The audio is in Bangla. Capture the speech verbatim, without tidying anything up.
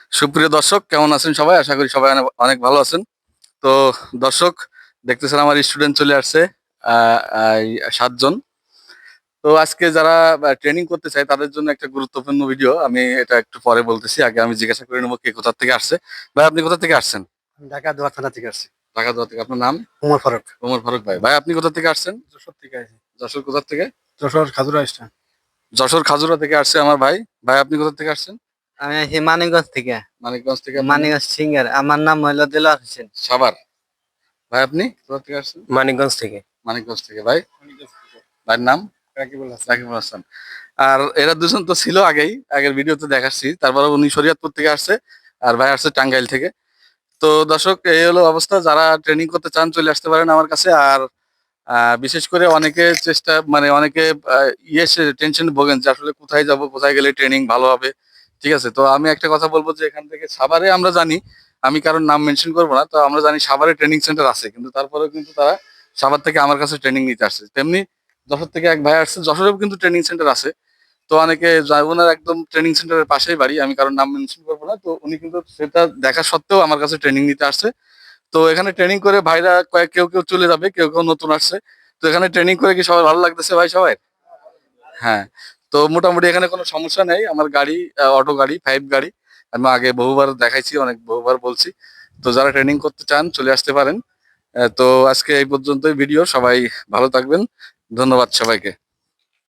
সুপ্রিয় দর্শক, কেমন আছেন সবাই? আশা করি সবাই অনেক অনেক ভালো আছেন। তো দর্শক, দেখতেছেন আমার স্টুডেন্ট চলে আসছে আ আই সাত জন। তো আজকে যারা আ ট্রেনিং করতে চায় তাদের জন্য একটা গুরুত্বপূর্ণ ভিডিও। আমি এটা একটু পরে বলতেছি। আগে আমি জিজ্ঞাসা করে নেব কে কোথা থেকে আসছে। ভাই, আপনি কোথা থেকে আসছেন? ঢাকা দোয়ার থানা থেকে আসছি। ঢাকা থেকে। আপনার নাম? উমর ফারুক। ওমর ফারুক ভাই। ভাই, আপনি কোথা থেকে আসছেন? যশোর থেকে আসছি। যশোর কোথা থেকে? যশোর খাজুরা স্ট্যান্ড। যশোর খাজুরা থেকে আসছে আমার ভাই। ভাই, আপনি কোথা থেকে আসছেন? আমি আসি মানিকগঞ্জ থেকে। মানিকগঞ্জ থেকে। আপনার নাম? মানিকগঞ্জ সিঙ্গার। আমার নাম হইলো দিলওয়ার হোসেন। সাভার। ভাই, আপনি কোথা থেকে আসছেন? মানিকগঞ্জ থেকে। মানিকগঞ্জ থেকে। ভাই, ভাইয়ের নাম? রাকিবুল হাসান। রাকিবুল হাসান। আর এরা দুজন তো ছিল আগেই, আগের ভিডিওতে দেখাচ্ছি। তারপরে উনি শরীয়তপুর থেকে আসছে আর ভাই আসছে টাঙ্গাইল থেকে। তো দর্শক, এই হলো অবস্থা। যারা ট্রেনিং করতে চান চলে আসতে পারেন আমার কাছে। আর আহ, বিশেষ করে অনেকে চেষ্টা মানে অনেকে আহ, ইয়ে টেনশন ভোগেন যে আসলে কোথায় যাব, কোথায় গেলে ট্রেনিং ভালো হবে। ঠিক আছে, তো আমি একটা কথা বলবো যে এখান থেকে সাভারে আমরা জানি, আমি কারোর নাম মেনশন করবো না, তো আমরা জানি সাভারে ট্রেনিং সেন্টার আছে, কিন্তু তারপরেও কিন্তু তারা সাভার থেকে আমার কাছে ট্রেনিং নিতে আসছে। তেমনি যশোর থেকে এক ভাই আসছে, যশোরেও কিন্তু ট্রেনিং সেন্টার আছে। তো অনেকে যায়, ওনার একদম ট্রেনিং সেন্টারের পাশেই বাড়ি, আমি কারোর নাম মেনশন করবো না। তো উনি কিন্তু সেটা দেখা সত্ত্বেও আমার কাছে ট্রেনিং নিতে আসছে। তো এখানে ট্রেনিং করে ভাইরা কয়েক কেউ কেউ চলে যাবে, কেউ কেউ নতুন আসছে। তো এখানে ট্রেনিং করে কি সবাই ভালো লাগতেছে ভাই সবাই? হ্যাঁ। তো মোটামুটি এখানে কোনো সমস্যা নেই। আমার গাড়ি অটো গাড়ি, ফাইভ গাড়ি। আমি আগে বহুবার দেখাইছি, অনেক বহুবার বলছি। তো যারা ট্রেনিং করতে চান চলে আসতে পারেন। আহ, তো আজকে এই পর্যন্তই ভিডিও। সবাই ভালো থাকবেন। ধন্যবাদ সবাইকে।